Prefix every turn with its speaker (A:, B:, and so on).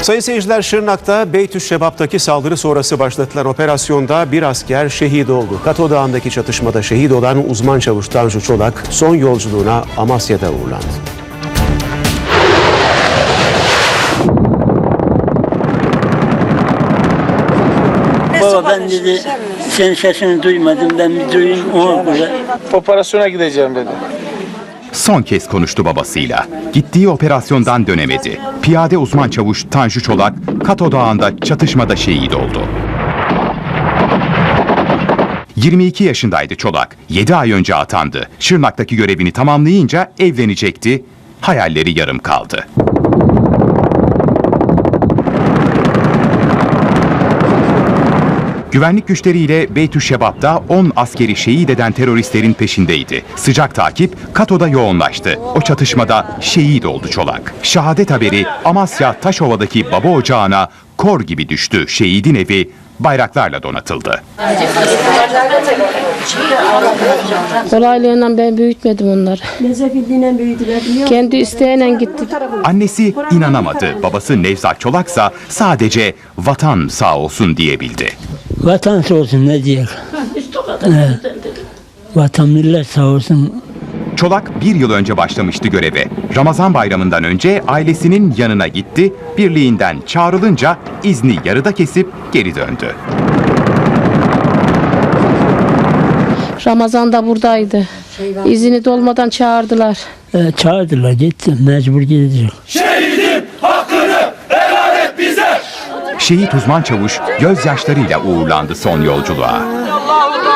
A: Sayın seyirciler, Şırnak'ta Beytüşşebap'taki saldırı sonrası başlatılan operasyonda bir asker şehit oldu. Kato Dağı'ndaki çatışmada şehit olan uzman çavuş Tanju Çolak son yolculuğuna Amasya'da uğurlandı.
B: Baba ben dedi senin sesini duymadım, ben bir duyayım ona göre.
C: Operasyona gideceğim dedi.
D: Son kez konuştu babasıyla. Gittiği operasyondan dönemedi. Piyade uzman çavuş Tanju Çolak, Kato Dağı'nda çatışmada şehit oldu. 22 yaşındaydı Çolak. 7 ay önce atandı. Şırnak'taki görevini tamamlayınca evlenecekti. Hayalleri yarım kaldı. Güvenlik güçleriyle Beytüşşebap'ta 10 askeri şehit eden teröristlerin peşindeydi. Sıcak takip Kato'da yoğunlaştı. O çatışmada şehit oldu Çolak. Şehadet haberi Amasya Taşova'daki baba ocağına kor gibi düştü. Şehidin evi bayraklarla donatıldı.
E: Kolaylığından ben büyütmedim onları.
F: Nezafetiyle büyüdüler.
E: Kendi isteğiyle gitti.
D: Annesi inanamadı. Babası Nevzat Çolaksa sadece vatan sağ olsun diyebildi.
B: Vatan sağ olsun ne diyeyim. Vatan millet sağ olsun.
D: Çolak bir yıl önce başlamıştı göreve. Ramazan bayramından önce ailesinin yanına gitti. Birliğinden çağrılınca izni yarıda kesip geri döndü.
E: Ramazan'da buradaydı. İzini dolmadan çağırdılar.
B: Çağırdılar gittim, mecbur gidecek.
G: Şehidim hakkını helal et bize.
D: Şehit uzman çavuş gözyaşlarıyla uğurlandı son yolculuğa.